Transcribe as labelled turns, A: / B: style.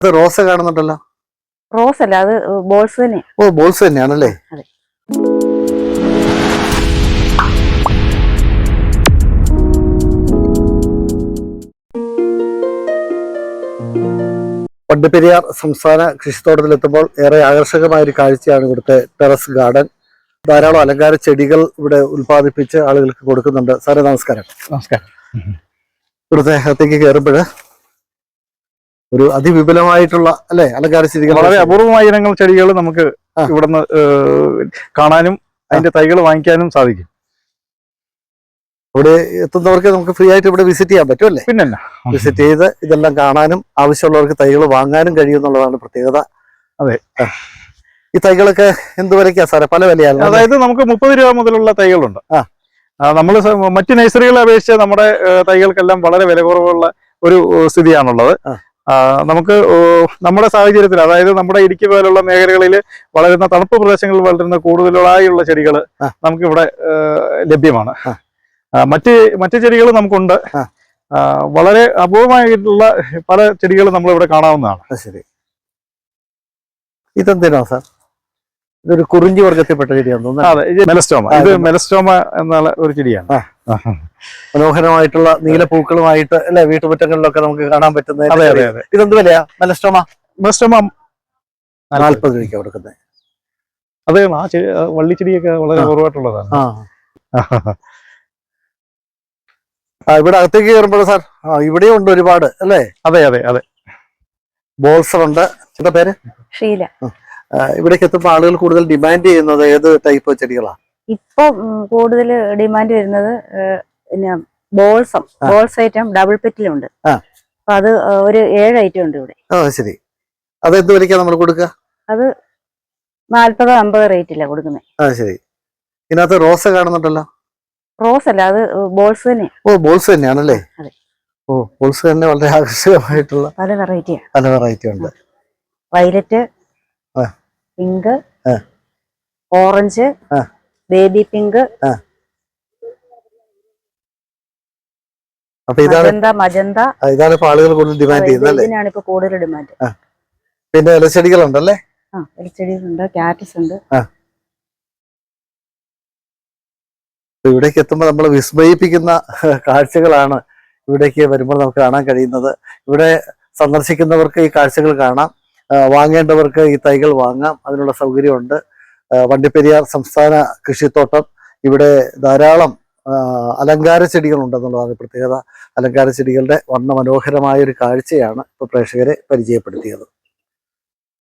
A: അത് റോസ് കാണുന്നുണ്ടല്ലോ.
B: റോസ് അല്ല, അത് ബോൾസ് തന്നെ.
A: ഓ, ബോൾസ് തന്നെയാണല്ലേ.
B: അതെ.
A: വണ്ടിപ്പെരിയാർ സംസ്ഥാന കൃഷിത്തോട്ടത്തിലെത്തുമ്പോൾ ഏറെ ആകർഷകമായ ഒരു കാഴ്ചയാണ് ഇവിടുത്തെ ടെറസ് ഗാർഡൻ. ധാരാളം അലങ്കാര ചെടികൾ ഇവിടെ ഉൽപ്പാദിപ്പിച്ച് ആളുകൾക്ക് കൊടുക്കുന്നുണ്ട്. സാറേ നമസ്കാരം.
C: നമസ്കാരം.
A: ഇവിടുത്തെ അകത്തേക്ക് കയറുമ്പോൾ ഒരു അതിവിപുലമായിട്ടുള്ള അല്ലെ അലങ്കാര ചെടികൾ,
C: വളരെ അപൂർവമായ ഇനങ്ങൾ ചെടികൾ നമുക്ക് ഇവിടുന്ന് കാണാനും അതിന്റെ തൈകൾ വാങ്ങിക്കാനും സാധിക്കും.
A: ഇവിടെ എത്തുന്നവർക്ക് നമുക്ക് ഫ്രീ ആയിട്ട് ഇവിടെ വിസിറ്റ് ചെയ്യാൻ പറ്റും അല്ലേ?
C: പിന്നല്ല,
A: വിസിറ്റ് ചെയ്ത് ഇതെല്ലാം കാണാനും ആവശ്യമുള്ളവർക്ക് തൈകൾ വാങ്ങാനും കഴിയുമെന്നുള്ളതാണ് പ്രത്യേകത.
C: അതെ.
A: ഈ തൈകളൊക്കെ എന്ത് വിലയ്ക്കാ സാറേ? പല വിലയാണ്.
C: അതായത് നമുക്ക് 30 രൂപ മുതലുള്ള തൈകളുണ്ട്. നമ്മൾ മറ്റ് നഴ്സറികളെ അപേക്ഷിച്ച് നമ്മുടെ തൈകൾക്കെല്ലാം വളരെ വില കുറവുള്ള ഒരു സ്ഥിതിയാണുള്ളത്. നമുക്ക് നമ്മുടെ സാഹചര്യത്തിൽ, അതായത് നമ്മുടെ ഇടുക്കി പോലുള്ള മേഖലകളിൽ വളരുന്ന തണുപ്പ് പ്രദേശങ്ങളിൽ വളരുന്ന കൂടുതലായുള്ള ചെടികൾ നമുക്കിവിടെ ലഭ്യമാണ്. മറ്റ് ചെടികൾ നമുക്കുണ്ട്. വളരെ അപൂർവമായിട്ടുള്ള പല ചെടികൾ നമ്മളിവിടെ കാണാവുന്നതാണ്.
A: ശരി, ഇതെന്തിനാ സാർ? ഇതൊരു കുറിഞ്ചി വർഗത്തിൽപ്പെട്ട ചെടിയാണെന്ന് തോന്നുന്നു.
C: അതെ, ഇത് മെലസ്റ്റോമ. ഇത് മെലസ്റ്റോമ എന്നുള്ള ഒരു ചെടിയാണ്.
A: മനോഹരമായിട്ടുള്ള നീലപ്പൂക്കളുമായിട്ട് അല്ലെ വീട്ടുമുറ്റങ്ങളിലൊക്കെ നമുക്ക് കാണാൻ പറ്റുന്ന.
C: അതെ അതെ അതെ.
A: ഇതെന്ത് വിലയാ മെലസ്റ്റോമ?
C: മെലസ്റ്റോമ
A: 40 രൂപയ്ക്ക് കൊടുക്കുന്നത്.
C: അതെ, ആ വള്ളിച്ചെടിയൊക്കെ വളരെ കുറവായിട്ടുള്ളതാണ്.
A: ഇവിടെ അകത്തേക്ക് കയറുമ്പോൾ സാർ ഇവിടെയും ഉണ്ട് ഒരുപാട് അല്ലേ?
C: അതെ അതെ അതെ.
A: ബോൾസർ ഉണ്ട്. എന്താ പേര്?
B: ഷീല.
A: ഇവിടേക്ക് എത്തുമ്പോൾ ആളുകൾ കൂടുതൽ ഡിമാൻഡ് ചെയ്യുന്നത് ഏത് ടൈപ്പ് ചെടികളാണ്?
B: ഇപ്പൊ കൂടുതൽ ഡിമാൻഡ് വരുന്നത് പിന്നെ ബോൾസ് ഐറ്റം ഡബിൾ പെറ്റിലുണ്ട്. അപ്പൊ അത് ഒരു 7 ഐറ്റം ഉണ്ട് ഇവിടെ.
A: ശരി, അത് എന്ത് വിലയ്ക്കാ നമ്മൾ കൊടുക്കുക?
B: അത് 40-50 റേറ്റില്ല കൊടുക്കുന്നത്.
A: ശരി. ഇതിനകത്ത് റോസ് കാണുന്നുണ്ടല്ലോ.
B: റോസ് അല്ല, അത് ബോൾസ് തന്നെ.
A: ഓ, ബോൾസ് തന്നെയാണല്ലേ.
B: അതെ.
A: ഓ, ബോൾസ് തന്നെ വളരെ ആകർഷകമായിട്ടുള്ള
B: പല
A: വെറൈറ്റി ഉണ്ട്.
B: Violet, pink, orange, baby pink, magenta.
A: ഇതാണ് ഇപ്പൊ ആളുകൾ കൂടുതൽ ഡിമാൻഡ് ചെയ്യുന്നത്.
B: ഇതിനാണ് ഇപ്പൊ കൂടുതൽ ഡിമാൻഡ്.
A: പിന്നെ ഇലച്ചെടികളുണ്ടല്ലേ?
B: ഇലച്ചെടികളുണ്ട്, കാറ്റസ് ഉണ്ട്.
A: ഇവിടേക്ക് എത്തുമ്പോൾ നമ്മൾ വിസ്മയിപ്പിക്കുന്ന കാഴ്ചകളാണ് ഇവിടേക്ക് വരുമ്പോൾ നമുക്ക് കാണാൻ കഴിയുന്നത്. ഇവിടെ സന്ദർശിക്കുന്നവർക്ക് ഈ കാഴ്ചകൾ കാണാം, വാങ്ങേണ്ടവർക്ക് ഈ തൈകൾ വാങ്ങാം. അതിനുള്ള സൗകര്യമുണ്ട്. വണ്ടിപ്പെരിയാർ സംസ്ഥാന കൃഷിത്തോട്ടം. ഇവിടെ ധാരാളം അലങ്കാര ചെടികളുണ്ടെന്നുള്ളതാണ് പ്രത്യേകത. അലങ്കാര ചെടികളുടെ വർണ്ണ മനോഹരമായ ഒരു കാഴ്ചയാണ് ഇപ്പോൾ പ്രേക്ഷകരെ പരിചയപ്പെടുത്തിയത്.